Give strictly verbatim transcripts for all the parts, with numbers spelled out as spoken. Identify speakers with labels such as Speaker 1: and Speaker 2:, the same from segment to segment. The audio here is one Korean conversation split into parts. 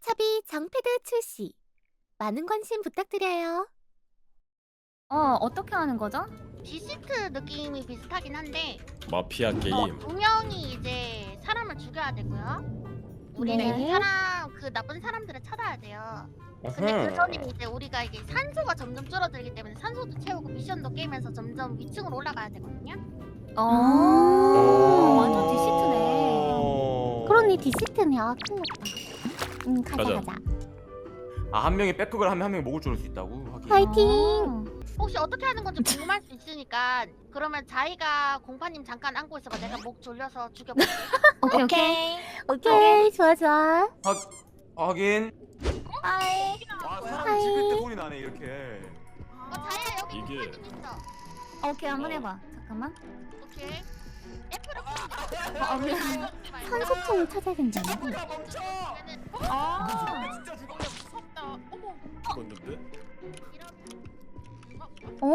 Speaker 1: 차비 장패드 출시. 많은 관심 부탁드려요.
Speaker 2: 어, 어떻게 하는 거죠?
Speaker 3: 디시트 느낌이 비슷하긴 한데
Speaker 4: 마피아 게임.
Speaker 3: 어, 두 명이 이제 사람을 죽여야 되고요. 우리는
Speaker 1: 네.
Speaker 3: 그 사람 그 나쁜 사람들을 찾아야 돼요. 근데 그 전에 이제 우리가 이게 산소가 점점 줄어들기 때문에 산소도 채우고 미션도 깨면서 점점 위층으로 올라가야 되거든요.
Speaker 2: 어,
Speaker 1: 아.
Speaker 2: 완전 디시트네.
Speaker 1: 그러니 디시트네. 아, 큰일 났다. 응, 가자,
Speaker 4: 가자.
Speaker 1: 가자.
Speaker 5: 아, 한 명이 백극을 하면 한 명이 목을 조를 수 있다고? 하긴.
Speaker 1: 파이팅!
Speaker 3: 혹시 어떻게 하는 건지 궁금할 수 있으니까 그러면 자이가 공파님 잠깐 안고 있어봐. 내가 목 졸려서 죽여볼게.
Speaker 2: 오케이, 오케이.
Speaker 1: 오케이, 좋아, 좋아.
Speaker 5: 하, 하긴.
Speaker 2: 하이.
Speaker 5: 와, 사람
Speaker 1: 하이.
Speaker 5: 찍을 때 소리 나네 이렇게.
Speaker 3: 어, 자이야 여기
Speaker 4: 이게-
Speaker 3: 공파님 있어.
Speaker 2: 오케이, 한번 해봐. 잠깐만.
Speaker 3: 오케이. F를
Speaker 2: 아, 미안.
Speaker 1: 산소통을 찾아야 된다네.
Speaker 5: 멈춰!
Speaker 2: 아,
Speaker 5: 진짜 죽어.
Speaker 3: 무섭다. 어머.
Speaker 4: 죽었는데?
Speaker 1: 어?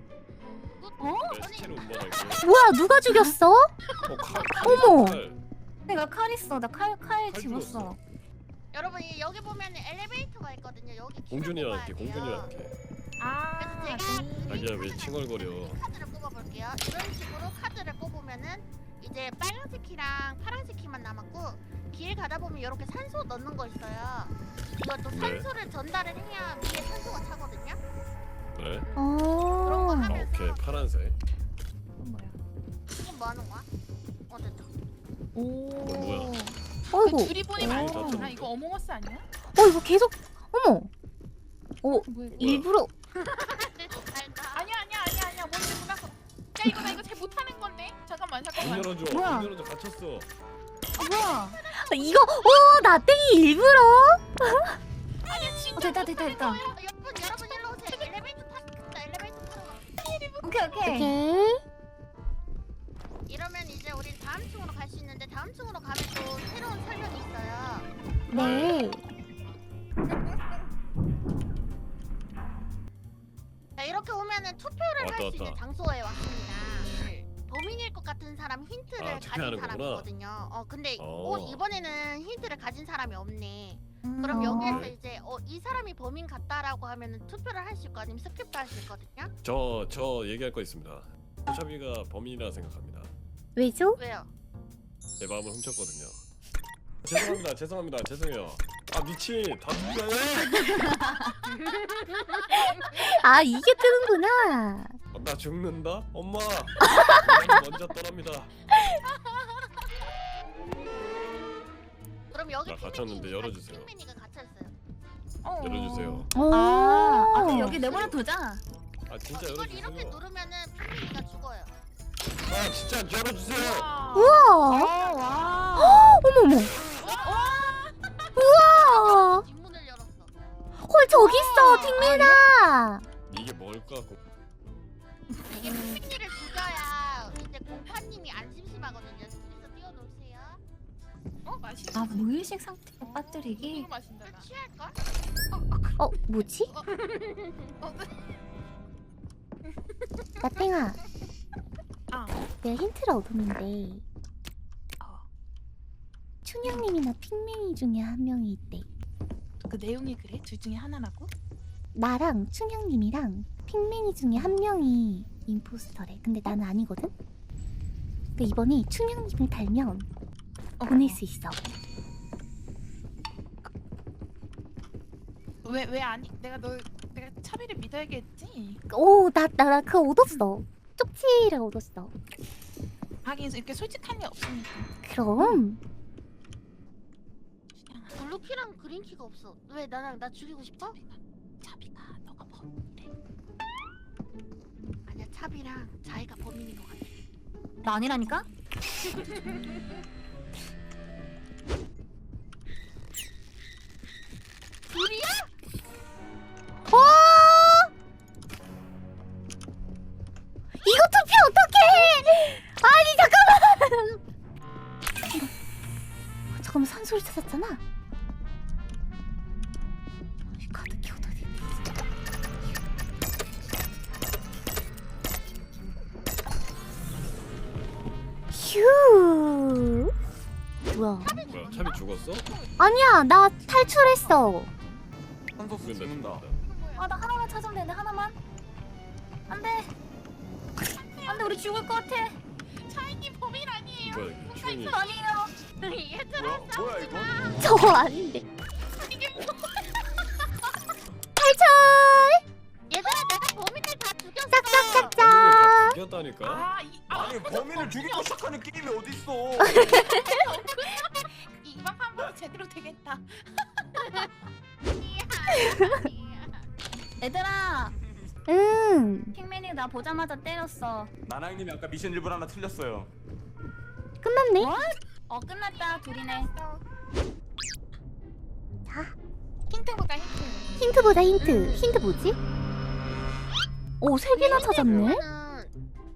Speaker 4: 내 시체로 운반할게.
Speaker 1: 뭐야, 누가 죽였어?
Speaker 4: 어, 칼, 칼,
Speaker 1: 어머.
Speaker 4: 칼.
Speaker 2: 내가 칼 있어. 나 칼, 칼
Speaker 4: 칼
Speaker 2: 집었어.
Speaker 4: 집었어.
Speaker 3: 여러분 이- 여기 보면 엘리베이터가 있거든요. 여기 키를
Speaker 4: 공준이랑 할게.
Speaker 3: 뽑아야
Speaker 4: 공준이랑
Speaker 3: 돼요.
Speaker 4: 할게.
Speaker 2: 아,
Speaker 3: 그래서 제가
Speaker 4: 자기야 왜 칭얼거려?
Speaker 3: 카드를 뽑아볼게요. 이런 식으로 카드를 뽑으면은 이제 빨간색 키랑 파란색 키만 남았고 길 가다 보면 이렇게 산소 넣는 거 있어요. 이것도
Speaker 4: 네.
Speaker 3: 산소를 전달을 해야 위에 산소가 차거든요.
Speaker 4: 그래?
Speaker 3: 그런 거
Speaker 1: 어.
Speaker 4: 아,
Speaker 3: 하면서
Speaker 4: 오케이 파란색.
Speaker 2: 뭐야?
Speaker 3: 이건 뭐 하는 거야? 어 됐다.
Speaker 2: 오.
Speaker 4: 어, 뭐야?
Speaker 1: 어이구.
Speaker 6: 그 줄이 보니
Speaker 2: 오.
Speaker 6: 말고 아 이거 어몽어스 아니야?
Speaker 1: 어, 이거 계속. 어머. 어,
Speaker 6: 뭐야 이거?
Speaker 1: 일부러.
Speaker 3: 알다.
Speaker 6: 아니야 아니야 아니야 아니야 뭔지 몰랐어. 야 이거 나 이거 잘 못하는 건데. 잠깐만
Speaker 4: 문
Speaker 6: 잠깐만.
Speaker 4: 열어줘.
Speaker 2: 뭐야?
Speaker 4: 문 열어줘. 갇혔어.
Speaker 2: 뭐야?
Speaker 1: 이거, 어, 나땡이 일부러?
Speaker 6: 아니야 진짜.
Speaker 2: 어, 됐다, 됐다, 됐다.
Speaker 3: 여러분 여러분 일로 오세요. 엘리베이터 탔습니다. 엘리베이터 타러 가.
Speaker 2: 오케이, 오케이.
Speaker 1: 오케이.
Speaker 3: 이러면 이제 우리 다음 층으로 갈 수 있는데 다음 층으로 가면 또 새로운 설명이 있어요.
Speaker 1: 네.
Speaker 3: 자 이렇게 오면은 투표를
Speaker 4: 왔다,
Speaker 3: 할 수 있는
Speaker 4: 왔다.
Speaker 3: 장소에 왔습니다. 범인일 것 같은 사람 힌트를
Speaker 4: 아,
Speaker 3: 가진
Speaker 4: 투표하는
Speaker 3: 사람이거든요. 어 근데
Speaker 4: 어.
Speaker 3: 어, 이번에는 힌트를 가진 사람이 없네.
Speaker 2: 음,
Speaker 3: 그럼
Speaker 2: 어.
Speaker 3: 여기에서 이제 어 이 사람이 범인 같다라고 하면은 투표를 할 수 있고 아니면 스킵도 할 수 있거든요.
Speaker 4: 저 저 얘기할 거 있습니다. 샤비가 범인이라 생각합니다.
Speaker 1: 왜죠?
Speaker 3: 왜요?
Speaker 4: 제 마음을 훔쳤거든요. 죄송합니다. 죄송합니다. 죄송해요. 아 미친. 다 죽여.
Speaker 1: 아, 이게 뜨는구나.
Speaker 4: 어, 나 죽는다? 엄마! 엄마 먼저 떠납니다.
Speaker 3: 그럼 여기
Speaker 4: 나 갇혔는데
Speaker 3: 핑민이
Speaker 4: 열어주세요.
Speaker 3: 핑민이가 갇혀 있어요.
Speaker 2: 어.
Speaker 4: 열어주세요.
Speaker 1: 오.
Speaker 2: 아, 아, 그럼 여기 내버려 두자.
Speaker 4: 아 진짜
Speaker 3: 어, 이걸 이렇게
Speaker 4: 열어주세요.
Speaker 3: 누르면은 핑민이가 죽어요.
Speaker 4: 아 진짜 열어주세요.
Speaker 6: 와.
Speaker 1: 우와.
Speaker 2: 어, 와.
Speaker 1: 어머머. 우와.
Speaker 3: 뒷문을 열었어.
Speaker 1: 헐, 저기 있어, 핑민아.
Speaker 4: 이게 뭘까? 고-
Speaker 3: 이게 핑민이를 죽여야 이제 공파님이 안 심심하거든요. 둘이서 뛰어놀세요.
Speaker 6: 어 맛있어.
Speaker 2: 아, 무의식 상태로 빠뜨리기?
Speaker 6: 이거 마신다 나.
Speaker 3: 취할걸?
Speaker 1: 어, 뭐지? 나땡아.
Speaker 6: 아.
Speaker 1: 내가 힌트를 얻었는데
Speaker 6: 어.
Speaker 1: 춘향님이나 핑민이 중에 한 명이 있대.
Speaker 6: 그 내용이 그래? 둘 중에 하나라고?
Speaker 1: 나랑 춘향님이랑 핑민이 중에 한 명이 임포스터래. 근데 나는 아니거든? 근데 이번에 춘향님을 달면
Speaker 6: 어.
Speaker 1: 보낼 수 있어.
Speaker 6: 왜왜 아니? 내가 널 내가 차비를 믿어야겠지.
Speaker 1: 오, 나, 나, 나 그거 얻었어. 쪽지를 얻었어.
Speaker 6: 하긴 이렇게 솔직한 게 없으니까.
Speaker 1: 그럼
Speaker 3: 블루키랑 그린키가 없어. 왜 나랑 나 죽이고 싶어?
Speaker 6: 차비가 너가 범인이래.
Speaker 3: 아니야 차비랑 자이가 범인인 것 같아.
Speaker 2: 나 아니라니까?
Speaker 3: 둘이야?
Speaker 1: 어! 이거 투표 어떡해! 아니 잠깐만! 어, 잠깐만 산소를 찾았잖아. 이 카드 키워둬야 돼. 휴. 뭐야?
Speaker 4: 뭐야 차비 죽었어?
Speaker 1: 아니야, 나 탈출했어.
Speaker 5: 산소수
Speaker 4: 근데
Speaker 5: 죽는다.
Speaker 2: 아 나 하나만 찾으면 되는데 하나만. 안돼. 안돼 우리 죽을 것 같아.
Speaker 6: 차이님 범인 아니에요.
Speaker 4: 뭐야 이게 추행이
Speaker 2: 아니에요.
Speaker 3: 얘들아
Speaker 5: 뭐야 뭐야 이거?
Speaker 1: 저거 아닌데.
Speaker 6: 이게 뭐?
Speaker 1: 탈출!
Speaker 3: 얘들아 내가 범인을 다 죽였어.
Speaker 1: 짝짝짝짝.
Speaker 4: 다 죽였다니까?
Speaker 6: 아, 이, 아,
Speaker 5: 아니 범인을 죽이고 시작하는 게임이 어딨어?
Speaker 6: 이번 판부터 제대로 되겠다.
Speaker 2: 얘들아
Speaker 1: 응.
Speaker 2: 핑맨이 나 보자마자 때렸어.
Speaker 5: 나나형님이 아까 미션 일분 하나 틀렸어요.
Speaker 1: 끝났네.
Speaker 2: 어 끝났다 둘이네.
Speaker 1: 자,
Speaker 6: 힌트보다 힌트.
Speaker 1: 힌트보다 힌트. 힌트 뭐지? 오, 세 개나 찾았네.
Speaker 3: 그러면은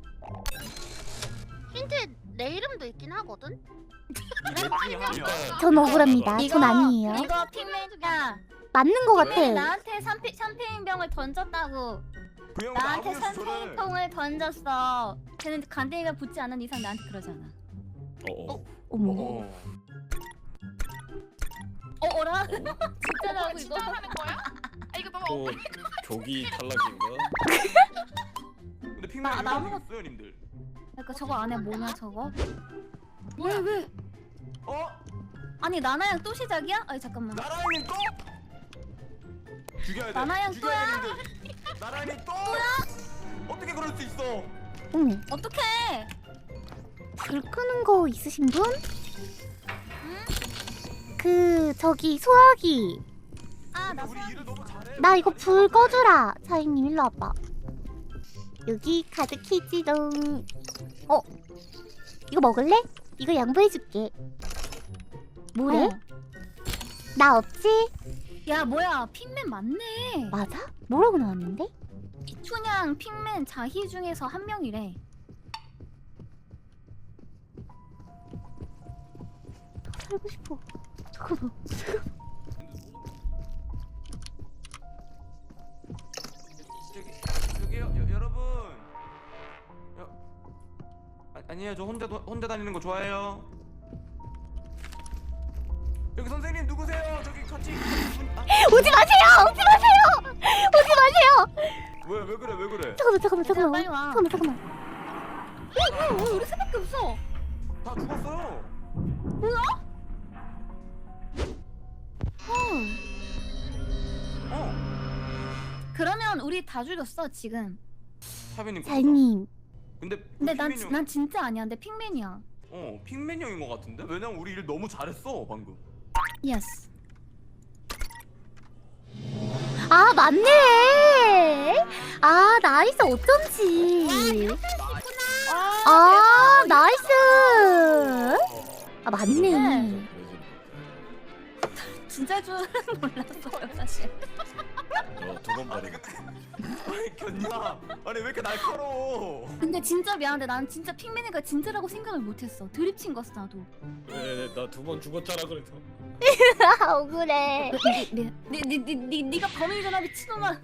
Speaker 3: 힌트 내 이름도 있긴 하거든.
Speaker 5: 이넷 중에 한 명.
Speaker 1: 전 억울합니다.
Speaker 2: 이거
Speaker 1: 전 아니에요.
Speaker 2: 이거 핑맨이야.
Speaker 1: 맞는 거 같아.
Speaker 2: 나한테 샴페, 샴페인병을 던졌다고.
Speaker 5: 그 형
Speaker 2: 나한테
Speaker 5: 나무였어 저를.
Speaker 2: 샴페인통을 던졌어. 걔는 간대기가 붙지 않은 이상 나한테 그러잖아.
Speaker 4: 어어
Speaker 1: 어머.
Speaker 5: 어.
Speaker 2: 어 어라? 진짜라고
Speaker 6: 진짜
Speaker 2: 이거?
Speaker 6: 하는 거야? 아 이거 너무
Speaker 4: 또
Speaker 6: 억울해.
Speaker 4: 조기 탈락인가?
Speaker 5: 근데
Speaker 2: 나-
Speaker 5: 핑맨이
Speaker 2: 나
Speaker 5: 왜
Speaker 2: 아무것도-
Speaker 5: 생겼어요 님들?
Speaker 2: 그러니까 저거 안에 뭐냐 저거? 왜 왜?
Speaker 5: 어?
Speaker 2: 아니 나나양 또 시작이야? 아니 잠깐만.
Speaker 5: 나라형님 또? 죽여야 돼.
Speaker 2: 나나양
Speaker 5: 죽여야 되는데. 나라형님 또? 어떻게 그럴 수 있어?
Speaker 1: 응.
Speaker 2: 어떡해?
Speaker 1: 불 끄는 거 있으신 분? 그 저기 소화기.
Speaker 2: 아나
Speaker 5: 우리 일을 너무 잘해.
Speaker 1: 나 이거 불 꺼주라. 사장님 일로 와봐. 여기 카드 키지롱. 어? 이거 먹을래? 이거 양보해줄게. 뭐래?
Speaker 2: 어.
Speaker 1: 나 없지?
Speaker 2: 야 뭐야 핑맨 맞네.
Speaker 1: 맞아? 뭐라고 나왔는데?
Speaker 2: 이춘향, 핑맨, 자희 중에서 한 명이래.
Speaker 1: 살고 싶어. 잠깐만.
Speaker 5: 저기 저기요 여, 여러분. 여, 아, 아니에요 저 혼자 도, 혼자 다니는 거 좋아해요. 여기 선생님 누구세요? 저기 같이 분- 아,
Speaker 1: 오지 마세요! 오지 마세요! 오지 마세요!
Speaker 5: 왜, 왜 그래 왜 그래?
Speaker 1: 잠깐만 잠깐만
Speaker 2: 얘들아,
Speaker 1: 잠깐만.
Speaker 2: 빨리 와.
Speaker 1: 잠깐만 잠깐만.
Speaker 2: 왜, 왜, 왜 우리 셋밖에 없어?
Speaker 5: 다 죽었어요.
Speaker 2: 헐.
Speaker 5: 어.
Speaker 2: 그러면 우리 다 죽였어 지금.
Speaker 5: 사비님.
Speaker 1: 사장님.
Speaker 5: 근데
Speaker 2: 근데 난,
Speaker 5: 핑맨이 형-
Speaker 2: 난 진짜 아니야. 근데 핑맨이야.
Speaker 5: 어 핑맨 형인 것 같은데? 왜냐면 우리 일 너무 잘했어 방금.
Speaker 2: 예스.
Speaker 1: 아 맞네. 아 나이스 어쩐지. 아 나이스. 아 맞네.
Speaker 2: 진짜 줄은 몰랐어요 사실.
Speaker 4: 저두번 버리고
Speaker 5: 아니 견냐. 아니 왜 이렇게 날카로워?
Speaker 2: 근데 진짜 미안한데 난 진짜 핑맨이가 진짜라고 생각을 못했어. 드립 친 거였어 나도.
Speaker 4: 왜나 두 번 죽었잖아 그래서
Speaker 1: 억울해.
Speaker 2: 니니니니 니가 범인이잖아 미친놈아.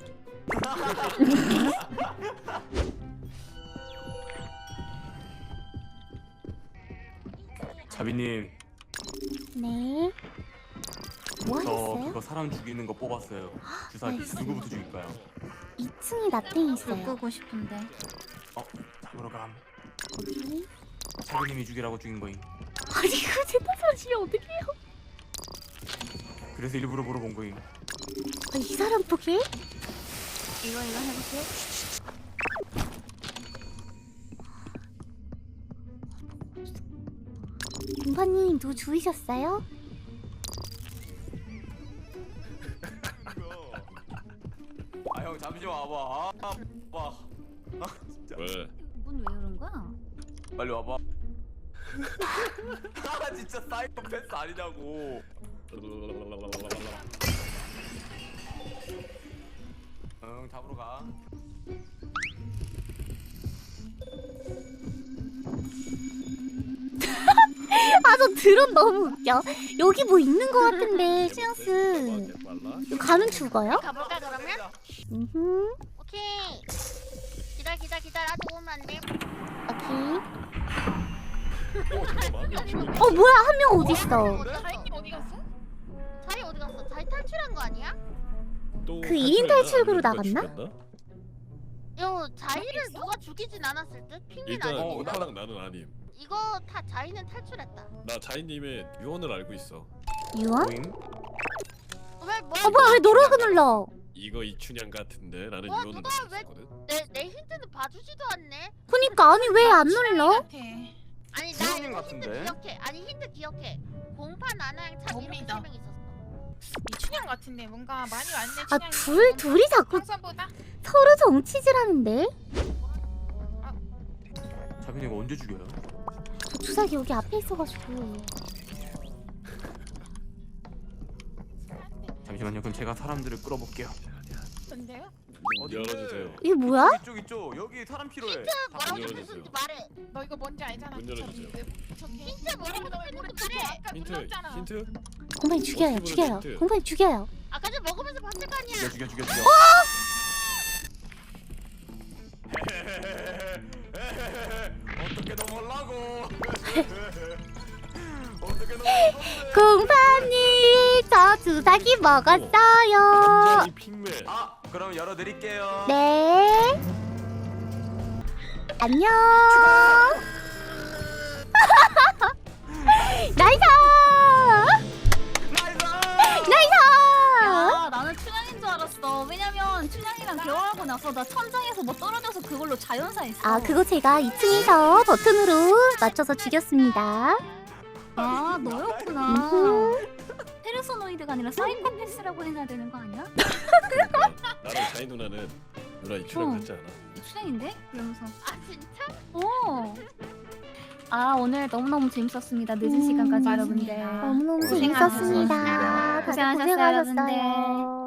Speaker 5: 자비님
Speaker 1: 네. 뭐
Speaker 5: 저
Speaker 1: 하셨어요?
Speaker 5: 그거 사람 죽이는 거 뽑았어요. 주사기
Speaker 1: 나이스.
Speaker 5: 누구부터 죽일까요?
Speaker 1: 이 층이 나탱이 있어요.
Speaker 2: 바꾸고 싶은데.
Speaker 5: 어 잡으러 감.
Speaker 1: 거기.
Speaker 5: 자비님이 죽이라고 죽인 거임.
Speaker 1: 아니 그거 제 탓하시면 어떡해요?
Speaker 5: 그래서 일부러 물어본 거임.
Speaker 1: 아, 이 사람 보게?
Speaker 2: 이거 이거 해볼게.
Speaker 1: 공파님 누구 주이셨어요?
Speaker 5: 아 형 잠시 와봐. 아 와. 아 진짜.
Speaker 4: 왜?
Speaker 2: 문 왜 이런 거야?
Speaker 5: 빨리 와봐. 아 진짜 사이코패스 아니냐고. 응 잡으러 가.
Speaker 1: 아 저 드론 너무 웃겨. 여기 뭐 있는 거 같은데 시앙스. 이거 가면 죽어요?
Speaker 3: 가볼까 그러면?
Speaker 1: 음.
Speaker 3: 오케이. 기다 기다 기다려. 아직 오면 안 돼.
Speaker 1: 오케이.
Speaker 4: 어 잠깐만.
Speaker 1: 어 뭐야 한 명 어딨어?
Speaker 6: 자이님 어디 갔어?
Speaker 3: 자이 어디 갔어? 자이 탈출한 거 아니야?
Speaker 4: 또
Speaker 1: 그 일 인 탈출구로 나갔나?
Speaker 3: 요 자이를 누가 죽이진 않았을 듯? 핑민
Speaker 4: 일단
Speaker 3: 아니고.
Speaker 4: 오빠랑 나는 아님.
Speaker 3: 이거 다 자이는 탈출했다.
Speaker 4: 나 자이님의 유언을 알고 있어.
Speaker 1: 유언?
Speaker 5: 보잉?
Speaker 3: 왜 뭐야?
Speaker 1: 어 뭐야 왜 노력을 눌러?
Speaker 4: 이거 이춘향 같은데 나는
Speaker 3: 와,
Speaker 4: 유언을
Speaker 3: 누가
Speaker 4: 알고
Speaker 3: 왜-
Speaker 4: 있었거든.
Speaker 3: 내, 내 힌트는 봐주지도 않네.
Speaker 1: 그니까 아니 왜 안 눌러?
Speaker 6: 같아.
Speaker 3: 아니 나
Speaker 5: 춘향님
Speaker 3: 이거 힌트
Speaker 5: 같은데?
Speaker 3: 기억해. 아니 힌트 기억해. 공판 아나양 참 이렇게
Speaker 6: 뭡니다.
Speaker 3: 세 명 있었어.
Speaker 6: 이춘향 같은데 뭔가 많이 왔네.
Speaker 1: 아
Speaker 6: 춘향이.
Speaker 1: 둘 둘이 자꾸
Speaker 6: 항상보다
Speaker 1: 서로 정치질하는데?
Speaker 5: 자빈이 이거 언제 죽여요?
Speaker 1: 저 주사기 여기 앞에 있어가지고.
Speaker 5: 잠시만요. 그럼 제가 사람들을 끌어볼게요.
Speaker 6: 뭔데요?
Speaker 5: 어딘데?
Speaker 4: 열어주세요.
Speaker 1: 이게 뭐야?
Speaker 5: 이쪽 이쪽 여기 사람 필요해.
Speaker 3: 뭐라고
Speaker 4: 문
Speaker 3: 생겼는지
Speaker 4: 열어주세요.
Speaker 3: 말해.
Speaker 6: 너 이거 뭔지 알잖아.
Speaker 4: 문 열어주세요.
Speaker 3: 힌트 뭐라고 생겼는지 말해.
Speaker 6: 아까
Speaker 4: 힌트
Speaker 6: 눌렀잖아.
Speaker 4: 힌트.
Speaker 1: 공파님 죽여요
Speaker 4: 어떻게
Speaker 1: 죽여요
Speaker 4: 보내,
Speaker 1: 공파님 죽여요.
Speaker 3: 아까 전 먹으면서 봤을 거 아니야.
Speaker 5: 죽여 죽여 죽여 죽여. 어떻게 넘어가려고? 어떻게 넘어가려고?
Speaker 1: 공파님 저 주사기 먹었어요.
Speaker 4: 완전히 핑맨.
Speaker 5: 아 그럼 열어드릴게요.
Speaker 1: 네. 안녕. 나이스. 나이스.
Speaker 2: 야 나는 춘향인 줄 알았어. 왜냐면 춘향이랑 대화하고 나서 나 천장에서 뭐 떨어져서 그걸로 자연사했어.
Speaker 1: 아 그거 제가 이 층에서 버튼으로 맞춰서 죽였습니다.
Speaker 2: 아 너였구나.
Speaker 1: 음흠.
Speaker 2: 페르소노이드가 아니라 사이코패스라고 해야 되는 거 아니야?
Speaker 4: 나랑 자이 누나는 누나 이춘향
Speaker 2: 어.
Speaker 4: 같지 않아?
Speaker 2: 춘향인데? 이러면서
Speaker 3: 아 진짜?
Speaker 2: 어. 아 오늘 너무너무 재밌었습니다. 늦은
Speaker 1: 음,
Speaker 2: 시간까지
Speaker 6: 맞습니다.
Speaker 2: 여러분들.
Speaker 1: 너무너무
Speaker 2: 고생하셨습니다.
Speaker 1: 재밌었습니다. 다들
Speaker 2: 고생하셨어요,
Speaker 1: 고생하셨어요.